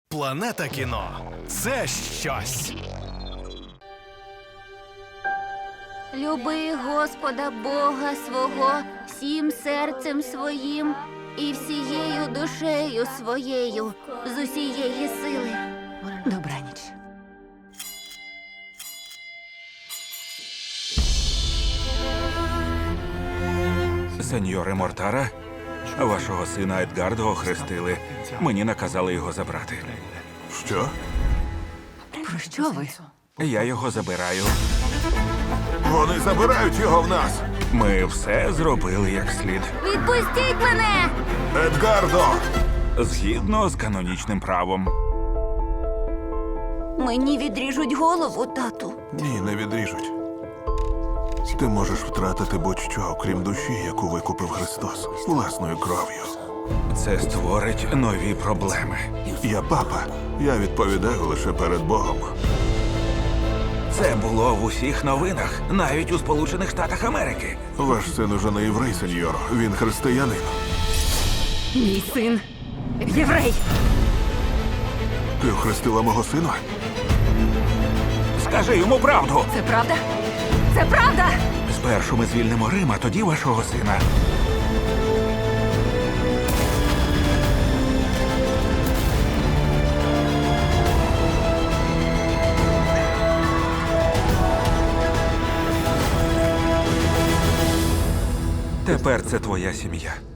Планета кіно – це щось. Люби Господа Бога свого всім серцем своїм і всією душею своєю з усієї сили. Добраніч. Сеньоре Мортара, вашого сина Едгардо охрестили. Мені наказали його забрати. Що? Про що ви? Я його забираю. Вони забирають його в нас! Ми все зробили як слід. Відпустіть мене! Едгардо! Згідно з канонічним правом. Мені відріжуть голову, тату. Ні, не відріжуть. Ти можеш втратити будь-що, окрім душі, яку викупив Христос власною кров'ю. Це створить нові проблеми. Я папа. Я відповідаю лише перед Богом. Це було в усіх новинах, навіть у Сполучених Штатах Америки. Ваш син уже не єврей, сеньоро. Він християнин. Мій син єврей. Ти охрестила мого сина? Скажи йому правду. Це правда? Це правда! Спершу ми звільнимо Рим, а тоді вашого сина. Тепер це твоя сім'я.